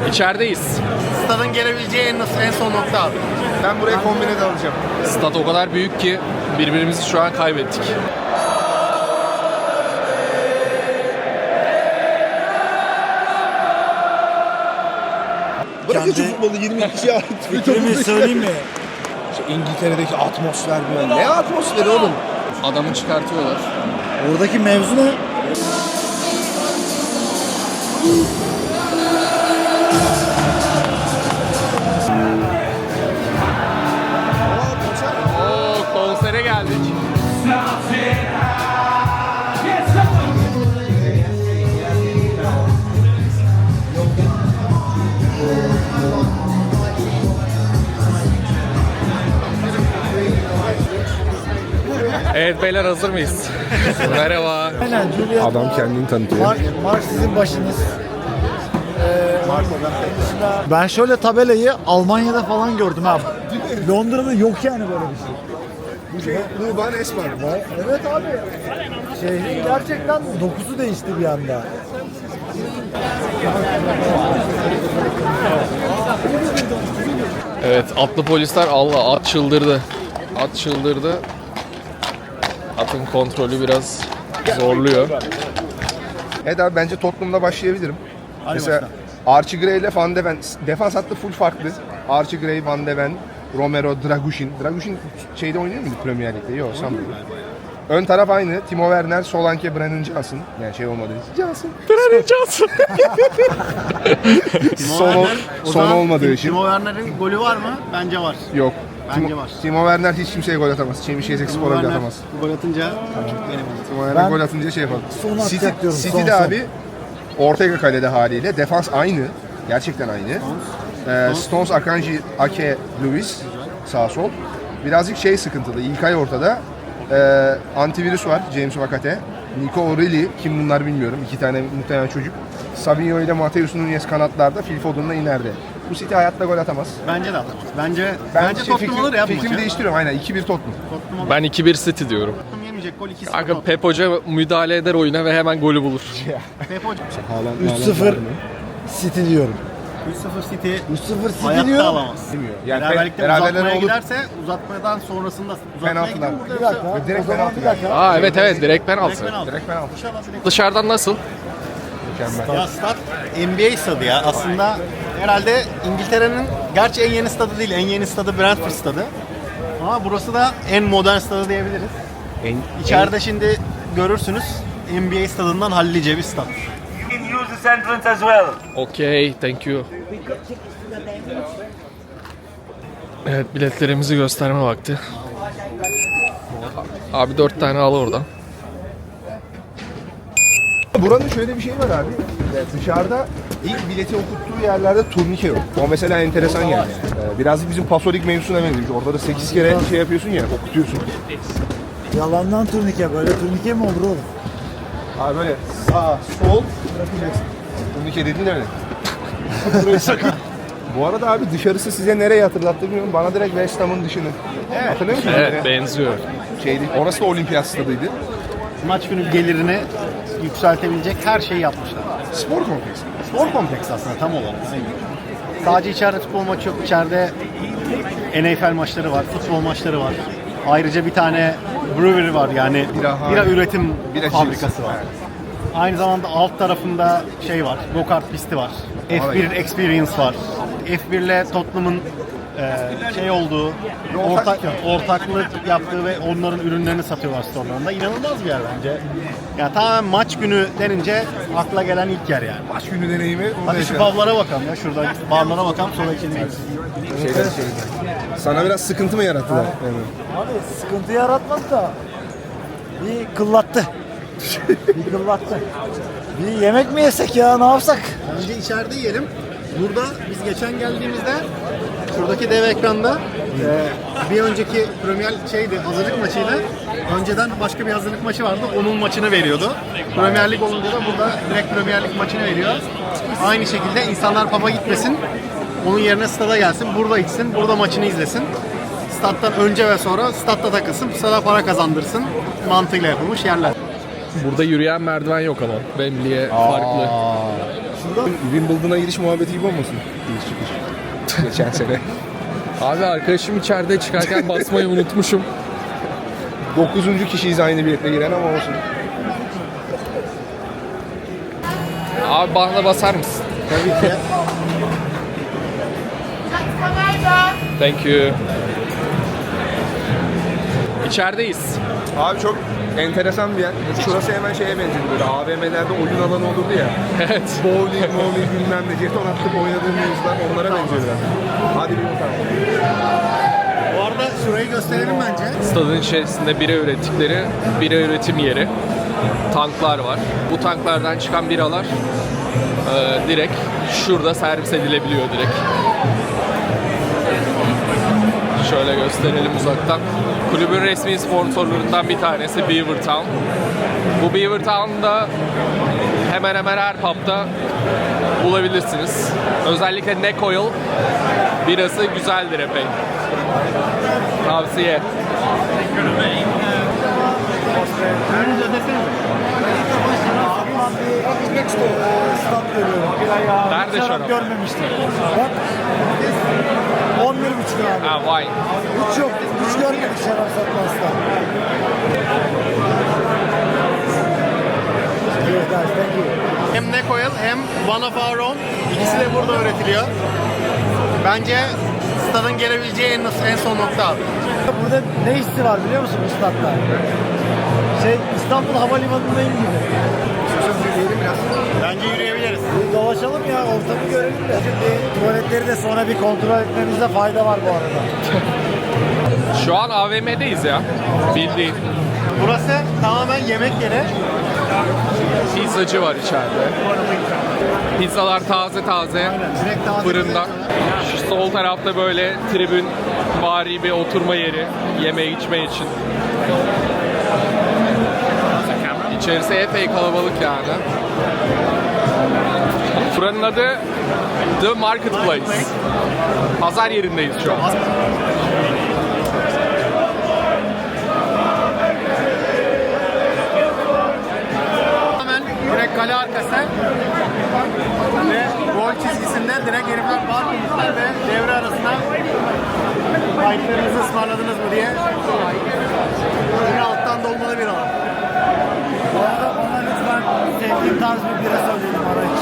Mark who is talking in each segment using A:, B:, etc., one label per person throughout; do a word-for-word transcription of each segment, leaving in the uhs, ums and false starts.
A: İçerideyiz.
B: Stadın gelebileceği en, en son nokta abi.
C: Ben buraya kombine de alacağım.
A: Stat o kadar büyük ki birbirimizi şu an kaybettik.
C: Bırakın şu futbolu yirmi kişiye ait bir
D: Fikrimi söyleyeyim mi?
C: Şu İngiltere'deki atmosfer böyle. Ne atmosferi oğlum?
A: Adamı çıkartıyorlar.
D: Oradaki mevzu ne?
A: Oo, konsere geldik. Evet beyler, hazır mıyız? Merhaba.
D: Aynen Julia.
C: Adam kendini tanıtıyor.
D: Mark, Mark sizin başınız. Ee, ben şöyle tabelayı Almanya'da falan gördüm abi. Londra'da yok yani böyle bir şey.
C: Bu şey Ruban Esmer.
D: Evet abi. Şehrin gerçekten dokusu değişti bir anda.
A: Evet, atlı polisler, Allah, at çıldırdı. At çıldırdı. Atın kontrolü biraz zorluyor.
C: Evet abi, bence Tottenham'da başlayabilirim. Mesela Archie Gray ile Van de Ven. Defans hattı full farklı. Archie Gray, Van de Ven, Romero, Dragushin. Dragushin şeyde oynuyor muydu Premier Lig'de? Yok, sanmıyorum. Ön taraf aynı. Timo Werner, Solanke, Brennan Johnson. Yani şey olmadı. Johnson.
A: Brennan Johnson.
C: son, ol, son olmadığı için.
B: Timo Werner'in golü var mı? Bence var.
C: Yok.
B: Bence
C: Timo,
B: var.
C: Timo Werner hiç kimseye gol atamaz. Çemişehir'deki Spor'a bile atamaz.
B: gol atınca benim.
C: Timo Werner
D: Ben
C: gol atınca şey yapalım.
D: son
C: City,
D: atacak diyorum, son,
C: City'de
D: son.
C: abi Ortega kalede haliyle. Defans aynı. Gerçekten aynı. Ee, Stones, Akanji, Ake, Lewis sağ sol. Birazcık şey sıkıntılı. İlkay ortada. Ee, antivirüs var. James Vakate. Nico O'Reilly. Kim bunlar bilmiyorum. İki tane muhtemelen çocuk. Sabinho ile Mateus Nunes kanatlarda. Phil Foden'la ineride. Bu City hayatta gol atamaz.
B: Bence de atar. Bence
C: Ben
B: bence
C: şey,
B: Tottenham alır ya bu
C: fikrimi
B: maçı.
C: değiştiriyorum. Aynen iki bir Tottenham.
B: Tottenham alır.
A: Ben iki bir City diyorum.
B: Tottenham yemeyecek gol iki sıfır.
A: Kanka Pep Hoca müdahale eder oyuna ve hemen golü bulur.
B: Pep Hoca.
D: üç sıfır City diyorum.
B: üç sıfır City
D: üç sıfır City
B: hayatta
D: diyorum.
B: alamaz.
C: Yani
B: Beraberlikte
C: beraberler
B: uzatmaya
C: olur.
B: giderse uzatmadan sonrasında uzatmaya
C: Penaltılar.
B: gider.
D: Bir dakika.
C: Ve direkt
D: o zaman
C: penaltı
D: bir dakika.
A: Aa evet evet, direkt penaltı.
B: Direkt penaltı.
C: Direkt penaltı.
B: İnşallah direkt.
A: Dışarıdan nasıl?
C: Mükemmel.
B: Ya stat N B A stadı ya. Aslında herhalde İngiltere'nin, gerçi en yeni stadı değil, en yeni stadı Brentford stadı. Ama burası da en modern stadı diyebiliriz.
C: En,
B: İçeride şimdi görürsünüz N B A stadından hallice bir stat.
E: You can use this entrance as well.
A: Okay, thank you. Evet, biletlerimizi gösterme vakti. Abi dört tane al oradan.
C: Buranın şöyle bir şey var abi. Dışarıda ilk bileti okuttuğu yerlerde turnike yok. O mesela enteresan yani. Ee, Birazcık bizim Pasolik mevzusuna benziyor. Orada da sekiz kere şey yapıyorsun ya, okutuyorsun.
D: Yalandan turnike. Böyle turnike mi olur oğlum?
C: Abi böyle sağ, sol, bırakacaksın. Turnike dediğin öyle. Burayı sakın. Bu arada abi dışarısı size nereyi hatırlattı bilmiyorum. Bana direkt West Ham'ın dışını. Evet. Hatırlıyor musun?
A: Evet, benziyor.
C: Şeydi, orası da olimpiyat stadıydı.
B: Maç günü gelirini yükseltebilecek her şeyi yapmışlar.
C: Spor kompleksi.
B: Spor kompleksi aslında tam olarak. Sadece içeride futbol maçı yok. İçeride N F L maçları var, futbol maçları var. Ayrıca bir tane brewery var, yani
C: Bira-
B: bira, üretim
C: Bira
B: fabrikası
C: cipsi.
B: var.
C: Evet.
B: Aynı zamanda alt tarafında şey var, go-kart pisti var. F bir Experience var. F bir ile Tottenham'ın e, şey olduğu, ortak, ortaklık yaptığı ve onların ürünlerini satıyorlar storelarında. İnanılmaz bir yer bence. Yani tamamen maç günü denince akla gelen ilk yer yani.
C: Maç günü deneyimi.
B: Hadi şu publara bakalım ya, şurada barlara bakalım, sonra içilmeyiz.
C: Şeyler, şeyler. Sana biraz sıkıntı mı yarattılar? Evet.
D: Abi sıkıntı yaratmadı da bir kıllattı. bir kıllattı. Bir yemek mi yesek ya, ne yapsak?
B: Önce içeride yiyelim. Burada biz geçen geldiğimizde şuradaki dev ekranda e, bir önceki Premier şeydi, hazırlık maçıydı. Önceden başka bir hazırlık maçı vardı. Onun maçını veriyordu. Premier Lig olunca da burada direkt Premier Lig maçını veriyor. Aynı şekilde insanlar pub'a gitmesin. Onun yerine stada gelsin. Burada içsin. Burada maçını izlesin. Stat'tan önce ve sonra statta takılsın. Stada para kazandırsın. Mantığıyla yapılmış yerler.
A: Burada yürüyen merdiven yok ama. Wembley'e farklı.
D: şurada.
C: Wimbledon'a giriş muhabbeti gibi olmasın? Giriş çıkış. Geçen sene.
A: Abi arkadaşım içeride çıkarken basmayı unutmuşum.
C: Dokuzuncu kişiyiz aynı biletle giren ama olsun.
A: Abi bana da basar mısın?
B: Tabii ki.
A: Thank you. İçerideyiz.
C: Abi çok enteresan bir yer. Şurası hemen şeye benziyor böyle A V M'lerde oyun alanı olurdu ya.
A: Evet.
C: Bowling, bowling bilmem ne. Jeton attık oynadığım mevzular onlara benziyor biraz. Hadi bir bakalım.
B: Bu arada şurayı gösterelim bence.
A: Stadın içerisinde bira ürettikleri bira üretim yeri. Tanklar var. Bu tanklardan çıkan biralar e, direkt şurada servis edilebiliyor direkt. Şöyle gösterelim uzaktan. Kulübün resmi sponsorlarından bir tanesi Beaver Town. Bu Beaver Town'da hemen hemen her pub'da bulabilirsiniz. Özellikle Neck Oil birası güzeldir epey. Tavsiye.
B: Önce desene.
D: Stat görüyorum.
A: Nerede şarap?
D: Görmemiştim. Bak. on bir buçuk abi.
A: Ha, vay.
D: Hiç yok. Hiç görmedik şarap satmazsa. Evet guys, thank you.
B: Hem Neck Oil hem One of Our Own. İkisi de burada üretiliyor. Bence stadın gelebileceği en, en son nokta abi.
D: Burada ne hissi var biliyor musun bu statta? Şey, İstanbul Havalimanı'ndayım gibi.
B: Bence yürüyebiliriz.
D: Bir dolaşalım ya, ortamı görelim de. Şimdi tuvaletleri de sonra bir kontrol etmemizde fayda var bu arada.
A: Şu an A V M'deyiz ya. Bildiğin.
B: Burası tamamen yemek yeri.
A: Pizzacı var içeride. Pizzalar taze taze.
B: Direkt taze
A: Fırından. Şu sol tarafta böyle tribün vari bir oturma yeri. Yeme içme için. İçerisi epey kalabalık yani. Buranın adı The Marketplace. Pazar yerindeyiz şu an.
B: Hemen direkt kale arkası ve gol çizgisinde direkt herifler bar kurmuşlar ve devre arasında kayıtlarınızı ısmarladınız mı diye yine alttan dolmalı bir alan.
D: Bu arada bana lütfen sevdiğim tarz bir bira söyleyelim araç.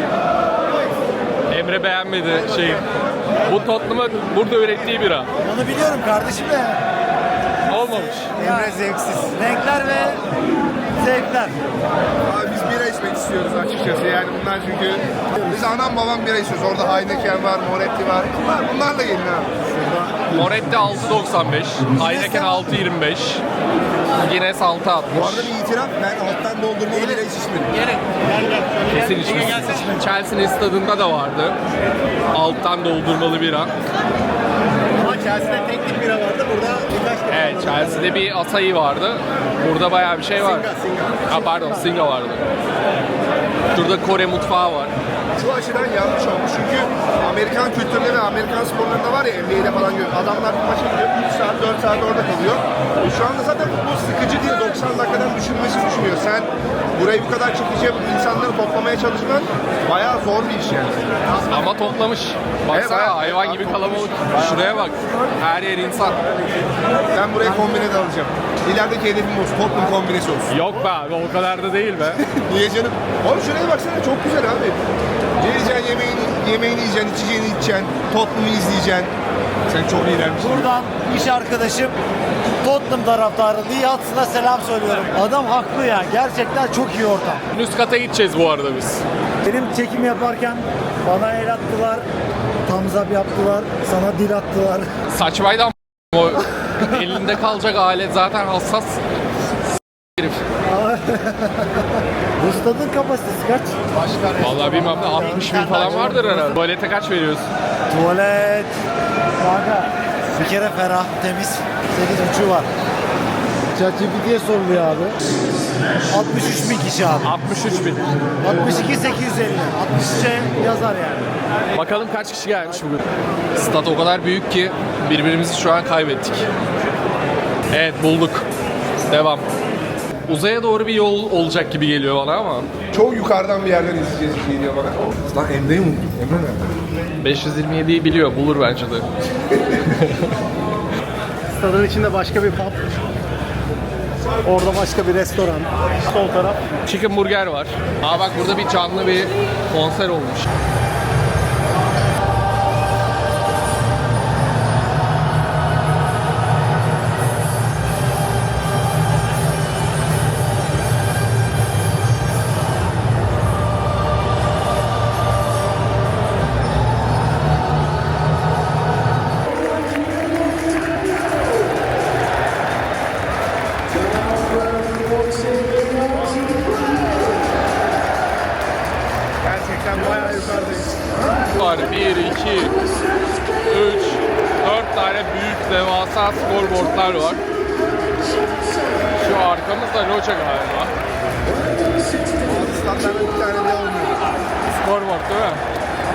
A: Emre beğenmedi şeyi. Bu Tottenham'ın burada ürettiği bira.
D: Onu biliyorum kardeşim de.
A: Olmamış.
B: Emre zevksiz.
D: Renkler ve zevkler.
C: Abi biz bira içmek istiyoruz açıkçası yani bunlar çünkü biz anam babam bira içiyoruz. Orada Heineken var, Moretti var. Bunlar, bunlarla gelin abi.
A: Moretti altı doksan beş, Heineken altı yirmi beş, Guinness altı
C: Bu
A: altmış.
C: arada bir itiraf ben alttan doldurmalı bira hiç içmedim.
B: Gelin. Gel gel.
A: Kesin içmişsin. Chelsea'nin stadında da vardı. Alttan doldurmalı bira.
B: Ama Chelsea'de tek tip bira vardı. Burada birkaç tip.
A: Evet, Chelsea'de bir Asahi vardı. Burada bayağı bir şey var.
B: Singa, Singa.
A: Ha, pardon, Singa vardı. Şurada Kore mutfağı var.
C: Şu açıdan yanlış olmuş çünkü Amerikan kültüründe ve Amerikan sporlarında var ya N B A'de falan gör. Adamlar bir maça gidiyor üç saat dört saat orada kalıyor. E şu anda zaten bu sıkıcı değil doksan dakikadan düşünmesi düşünüyor. Sen burayı bu kadar çekici yapıp insanları toplamaya çalışman bayağı zor bir iş yani.
A: Ama toplamış. Baksana
C: Evet,
A: hayvan gibi kalabalık. Şuraya bak. Her yer insan.
C: Ben buraya kombine de alacağım. İlerideki hedefim olsun. Tottenham kombinesi olsun.
A: Yok be abi, o kadar da değil be.
C: Niye canım? Oğlum şuraya baksana çok güzel abi. Geleceksin yemeğini, yemeğini yiyeceksin, içeceğini içeceksin, Tottenham'ı izleyeceksin. Sen çok iyilermişsin.
D: Buradan iş arkadaşım Tottenham taraftarı Lee Hudson'a selam söylüyorum. Adam haklı ya. Gerçekten çok iyi ortam.
A: Üst kata gideceğiz bu arada biz.
D: Benim çekim yaparken bana el attılar. Thumbs up yaptılar. Sana dil attılar.
A: Saçmaydı ama o elinde kalacak alet zaten hassas. Herif.
D: Bu stadın kapasitesi kaç?
A: Vallahi bilmem ne altmış bin falan vardır herhalde. Tuvalete kaç veriyoruz?
D: Tuvalet. Kanka. Bir kere ferah, temiz. sekiz buçuğu var. ChatGPT'ye soruluyor abi. altmış üç bin kişi abi.
A: altmış üç bin.
D: altmış iki sekiz yüz elli. altmış üçe yazar yani.
A: Bakalım kaç kişi gelmiş bugün. Stat o kadar büyük ki birbirimizi şu an kaybettik. Evet, bulduk. Devam. Uzaya doğru bir yol olacak gibi geliyor bana ama.
C: Çok yukarıdan bir yerden izleyeceğiz gibi geliyor bana. Lan Emre'yi unuttum. Emre nerede?
A: beş yüz yirmi yediyi biliyor, bulur bence de.
B: Stadın içinde başka bir pub. Orada başka bir restoran. Sol taraf.
A: Chicken burger var. Aa bak burada bir canlı bir konser olmuş.
B: Gerçekten bayağı yukarıdayız.
A: Var bir, iki, üç, dört tane büyük devasa scoreboardlar var. Şu arkamızda loca galiba.
C: Standartda bir tane de olmuyor.
A: Scoreboard değil mi?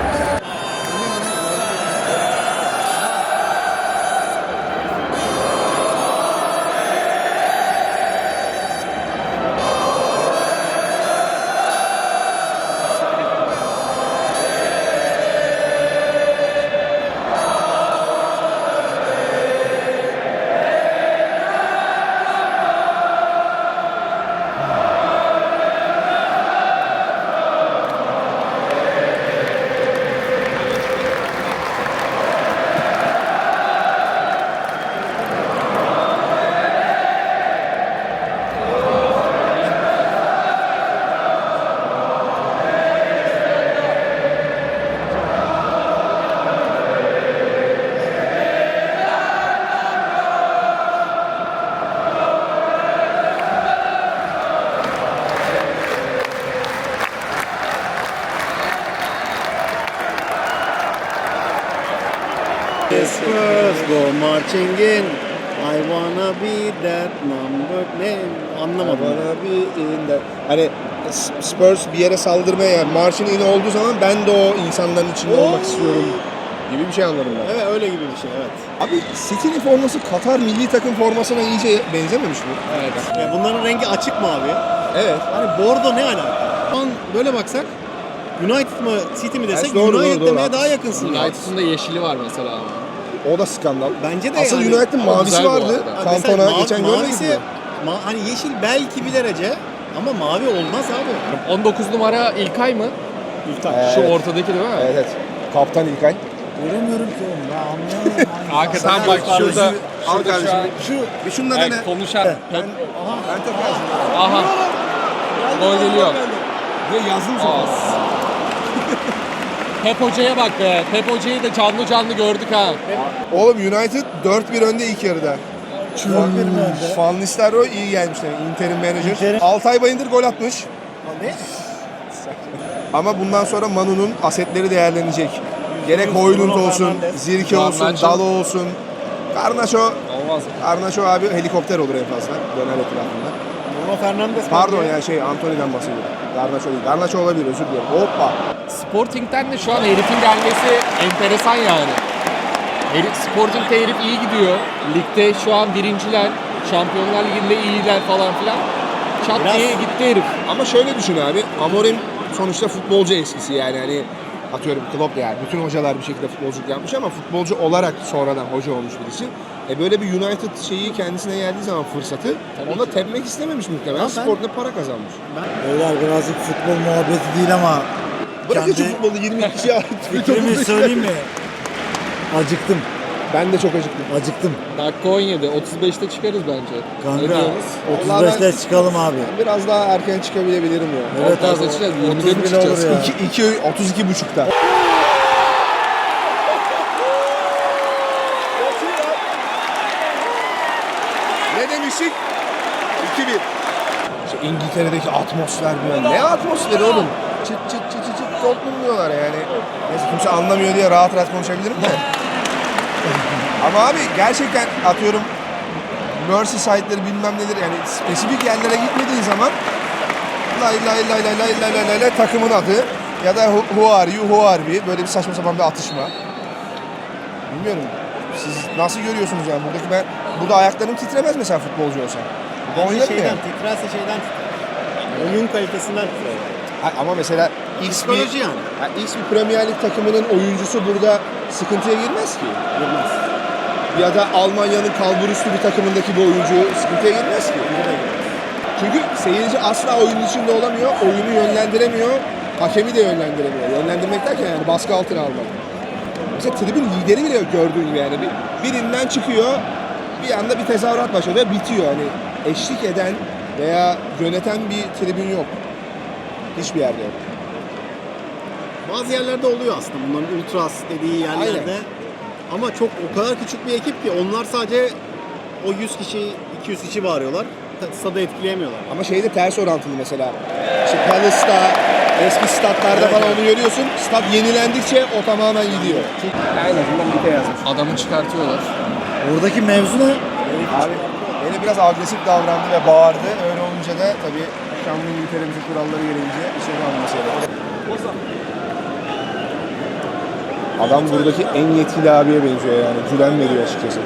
B: Spurs go marching in. I wanna be that number. Ne? Anlamadım.
C: Bana bir in de- Hani Spurs bir yere saldırmaya yani marşın in olduğu zaman ben de o insanların içinde olmak istiyorum gibi bir şey anladım ben.
B: Evet öyle gibi bir şey evet.
C: Abi City'nin forması Katar milli takım formasına iyice benzememiş mi?
B: Evet. Ya bunların rengi açık mavi.
C: Evet.
B: Hani bordo ne alaka? Şu an böyle baksak United mı City mi desek
C: Evet, doğru,
B: United
C: doğru, doğru,
B: demeye daha
C: haklısın.
B: yakınsın. ya.
A: United'ın da yeşili var mesela.
C: O da skandal.
B: Bence de
C: Asıl
B: yani.
C: United'ın
A: Ama
C: mavisi
A: güzel bu
C: vardı.
A: arada.
B: Ha, mesela
C: Kantona
B: mavi-
C: geçen görmedik
B: mavisi,
C: mi?
B: ma- hani yeşil belki bir derece ama mavi olmaz abi.
A: on dokuz numara İlkay mı?
B: İlkay.
A: Şu
C: Evet.
A: ortadaki değil mi?
C: Evet, evet. Kaptan İlkay.
D: Göremiyorum ki oğlum ben anlayamıyorum.
A: Hakikaten
C: Sen
A: bak
C: al
A: şurada,
C: kardeşim, al
A: şurada şu an
C: kardeşim. Şu, bir şundan
A: evet,
C: dene.
A: konuşan
C: Ben,
A: Pep,
C: ben tekrar şimdi.
A: aha gol geliyor.
C: Ve yazdım
A: As. Pep Hoca'ya bak be. Pep Hoca'yı da canlı canlı gördük ha.
C: Oğlum United dört bir önde ilk yarıda.
D: Çuval bir mi önde?
C: Van Nistelrooy iyi gelmiş demek. Inter'in menajer.
D: Inter'in-
C: Altay Bayındır gol atmış.
B: Ne?
C: Ama bundan sonra Manu'nun asetleri değerlenecek. Gerek Højlund olsun,
B: Fernandes.
C: Zirke olsun,
A: Garnacho.
C: Dalo olsun. Garnacho,
A: Olmaz mı?
C: Garnacho abi helikopter olur en fazla. Döner etrafında.
B: Bruno Fernandes.
C: Pardon
B: bence.
C: ya şey Anthony'den bahsediyorum. Garnacho değil. Garnacho olabilir özür diliyorum. Hoppa.
A: Sporting'den de şu an herifin gelmesi enteresan yani. Herif, Sporting'de herif iyi gidiyor. Ligde şu an birinciler. Şampiyonlar Ligi'nde iyiler falan filan. Çat
B: Biraz-
A: diye gitti herif.
C: Ama şöyle düşün abi. Amorim sonuçta futbolcu eskisi yani hani atıyorum Klopp yani bütün hocalar bir şekilde futbolculuk yapmış ama futbolcu olarak sonradan hoca olmuş birisi. E böyle bir United şeyi kendisine geldiği zaman fırsatı onu da tepmek istememiş muhtemelen.
B: Ama ben-
C: Sportla para kazanmış.
D: Beyler birazcık futbol muhabbeti değil ama
C: Bırakın şu
D: kendi
C: futbolu yirmi kişiye ait bir
D: fikrimi
C: toplu
D: söyleyeyim mi? Acıktım.
C: Ben de çok acıktım.
D: Acıktım.
A: Dakika on yedi. otuz beşte çıkarız bence. Ne
D: Kanka
A: diyorsunuz?
C: Vallahi
D: otuz beşte çıkalım abi.
C: Biraz daha erken çıkabilebilirim ya.
D: Evet
A: Ortaya
D: abi.
A: seçeceğiz, yirmide
D: otuz
A: mi
D: bile
A: çıkacağız?
D: olur ya.
C: iki, iki, otuz iki buçukta. Ne demiştik? iki bir. İşte İngiltere'deki atmosfer böyle. Ne atmosferi oğlum? Çıt çıt çıt çıt çıt Tottenham diyorlar yani. Neyse kimse anlamıyor diye rahat rahat konuşabilirim de. Ama abi gerçekten atıyorum Merseyside'leri bilmem nedir yani spesifik yerlere gitmediğin zaman lay lay lay lay lay lay lay lay lay takımın adı ya da who who are you, who are we böyle bir saçma sapan bir atışma. Bilmiyorum. Siz nasıl görüyorsunuz yani buradaki ben burada ayaklarım titremez mesela futbolcu olsam. Oynamıyor.
B: Şeyden, titrerse şeyden titrer. Oyun kalitesinden titrer.
C: Ha, ama mesela X bir,
B: Psikoloji yani.
C: ha, X bir Premier Lig takımının oyuncusu burada sıkıntıya girmez ki.
B: Girmez.
C: Ya da Almanya'nın kalburüstü bir takımındaki bir oyuncu sıkıntıya girmez ki. Çünkü seyirci asla oyunun içinde olamıyor, oyunu yönlendiremiyor, hakemi de yönlendiremiyor. Yönlendirmek derken yani baskı altına almak. Mesela tribün lideri bile yok gördüğün gibi yani. Bir, birinden çıkıyor, bir anda bir tezahürat başlıyor ve bitiyor. Hani eşlik eden veya yöneten bir tribün yok. Hiçbir yerde yok.
B: Bazı yerlerde oluyor aslında bunların ultras dediği yerlerde.
C: Aynen.
B: Ama çok o kadar küçük bir ekip ki onlar sadece o yüz kişi, iki yüz kişi bağırıyorlar. Stadı etkileyemiyorlar.
C: Ama şeyde ters orantılı mesela. İşte Palace'da, eski statlarda
B: Evet,
C: falan
B: evet.
C: onu görüyorsun. Stat yenilendikçe o tamamen gidiyor. En azından bite yazmış.
A: Adamı çıkartıyorlar.
D: Oradaki mevzu ne?
C: Abi beni biraz agresif davrandı ve bağırdı. Öyle olunca da tabii şanlı İngiltere'mizin kuralları gereğince içeri alınması gerekiyor. Adam buradaki en yetkili abiye benziyor yani. Güven veriyor açıkçası.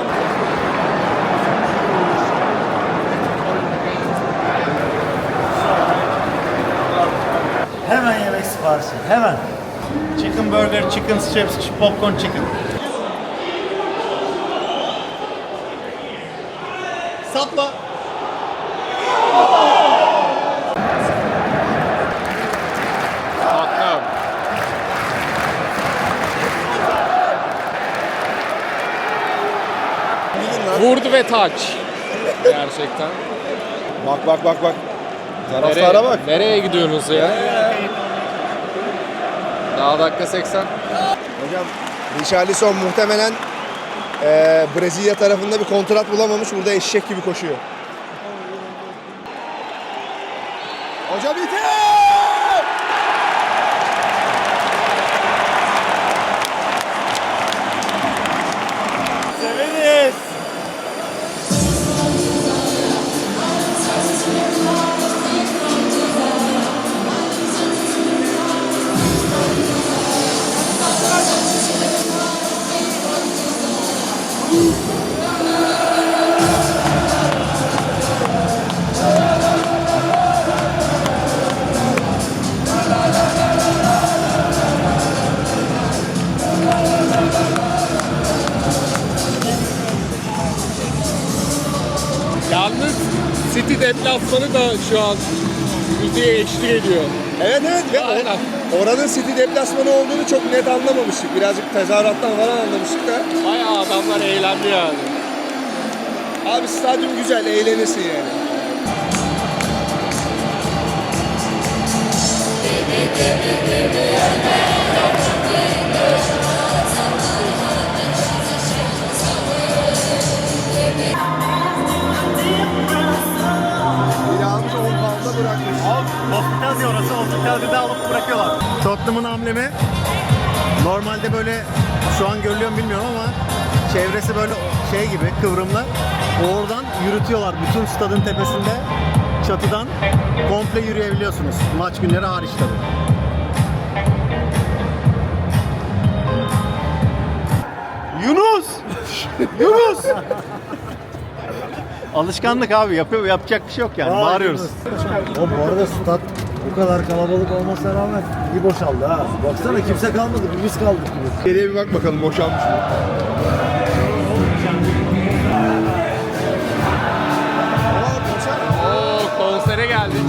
D: Hemen yemek siparişi. Hemen.
B: Chicken burger, chicken strips, popcorn chicken. Sapla.
A: Tottenham. Vurdu ve taç. Gerçekten.
C: Bak bak bak bak.
A: Nereye,
C: Taraftara bak.
A: nereye gidiyorsunuz ya? Daha dakika seksen.
C: Hocam Richarlison muhtemelen eee Brezilya tarafında bir kontrat bulamamış. Burada eşek gibi koşuyor. Hocam ite!
B: Severiz.
A: Yalnız City deplasmanı da şu an müziğe eşlik ediyor.
C: Evet evet ve
A: Aynen.
C: o- oranın City deplasmanı olduğunu çok net anlamamıştık. Birazcık tezahürattan falan anlamıştık da.
A: Bayağı adamlar eğlendi yani.
C: Abi stadyum güzel, eğlenirsin yani. Bir almış on pound'a bırakmış.
B: Hospitality orası. Hospitality'de alıp bırakıyorlar. Tottenham'ın amblemi normalde böyle şu an görülüyor mu bilmiyorum ama çevresi böyle şey gibi kıvrımlı. Oradan yürütüyorlar bütün stadın tepesinde çatıdan komple yürüyebiliyorsunuz. Maç günleri hariç tabii. Yunus! Yunus! Alışkanlık abi yapıyor yapacak bir şey yok yani.
D: Vay
B: Bağırıyoruz.
D: Yunus. O bu arada stat bu kadar kalabalık olmasına rağmen iyi boşaldı ha. Baksana kimse kalmadı, bir biz kaldık gibi.
C: Geriye bir bak bakalım boşalmış mı?
A: Oo, konsere geldik.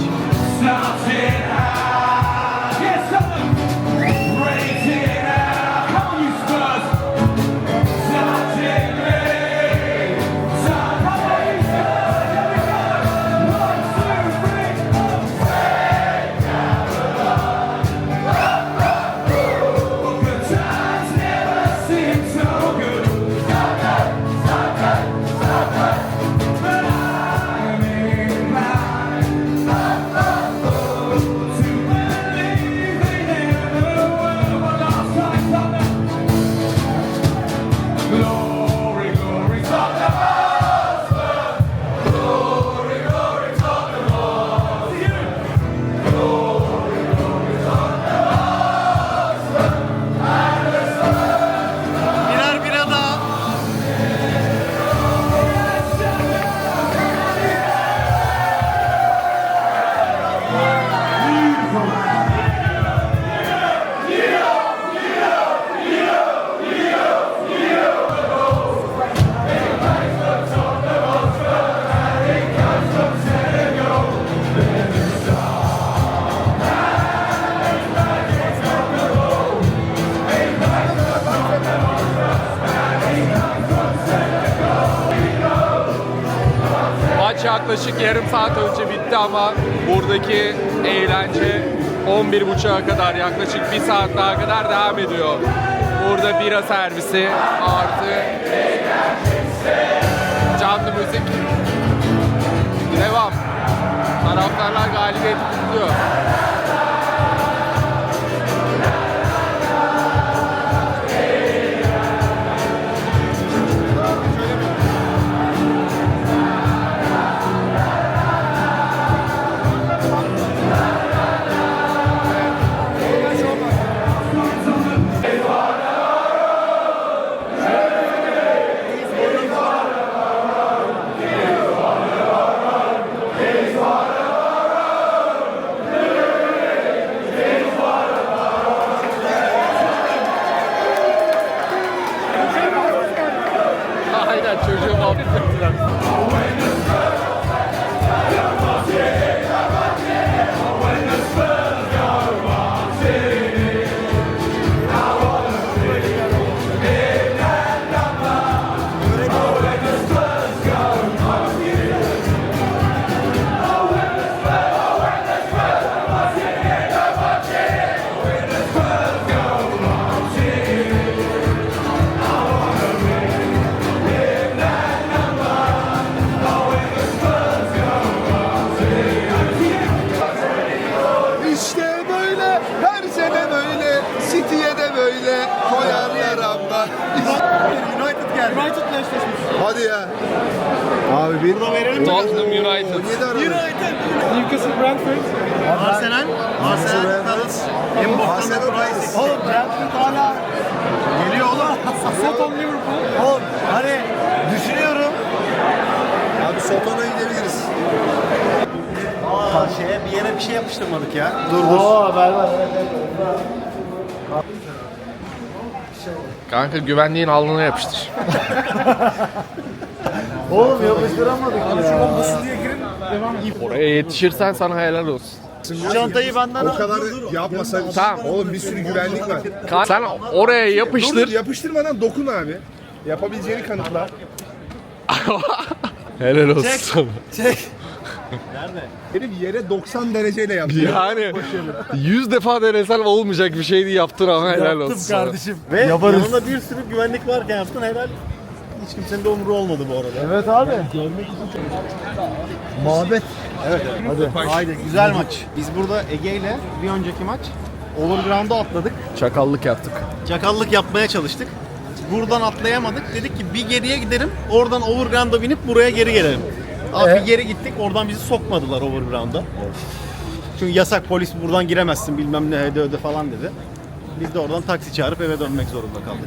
A: yaklaşık yarım saat önce bitti ama buradaki eğlence on bir buçuğa kadar, yaklaşık bir saat daha kadar devam ediyor. Burada bira servisi artı canlı müzik. Devam. Taraftarlar galibiyeti kutluyor. Aynen, çocuğu muhabbet ettiler.
C: İşte böyle, her sene böyle, City'ye de böyle koyar yaramda.
B: United geldi. United'la eşleşmiş.
C: Hadi ya. Abi bir.
A: Tottenham United.
B: Newcastle Brentford. Arsenal. Arsenal. Palace. En boktan da Price. Oğlum Brentford hala geliyor oğlum. Soton Liverpool. Oğlum hani düşünüyorum.
C: Abi Soton'a gidebiliriz.
B: Aa şeye bir yere bir şey yapıştırmadık ya. Dur dur.
D: Oo ver ver.
A: Kanka güvenliğin alnına yapıştır.
D: Oğlum yapıştıramadık ya.
A: Oraya yetişirsen sana helal olsun.
D: Çantayı benden
C: O kadar yapmasa.
A: Tamam.
C: Oğlum bir sürü güvenlik var.
A: Kan- Sen oraya
C: Dur,
A: yapıştır.
C: dur, yapıştırmadan dokun abi. Yapabileceğini kanıtla.
A: Helal olsun sana.
C: Herif yere doksan dereceyle yaptı.
A: Yani yüz defa denesen olmayacak bir şeydi, yaptın ama helal olsun sana.
D: kardeşim.
B: Ve
D: Yaparız.
B: yanında bir sürü güvenlik varken yaptın helal. Hiç kimsenin de umru olmadı bu arada.
D: Evet abi. Muhabbet.
B: Evet. Hadi. Haydi güzel maç. Biz burada Ege ile bir önceki maç Overground'a atladık.
A: Çakallık yaptık.
B: Çakallık yapmaya çalıştık. Buradan atlayamadık. Dedik ki bir geriye gidelim. Oradan Overground'a binip buraya geri gelelim. Abi
D: Ee?
B: bir geri gittik. Oradan bizi sokmadılar Overground'a. Çünkü yasak, polis buradan giremezsin bilmem ne öde öde falan dedi. Biz de oradan taksi çağırıp eve dönmek zorunda kaldık.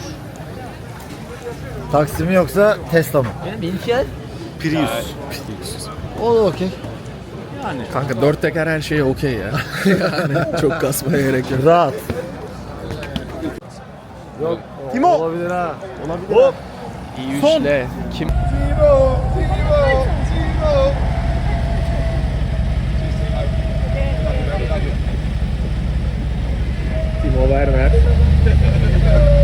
D: Taksi mi yoksa Tesla mı?
B: Prius.
D: O da okey.
B: Yani.
A: Kanka dört teker her şey okey ya. Yani çok kasmaya gerek yok.
D: Rahat.
B: Yok. Kim o?
D: Olabilir ha.
B: Olabilir. Hop.
A: İyi üçle. Kim?
C: Zero, zero, zero.
A: Timo Werner.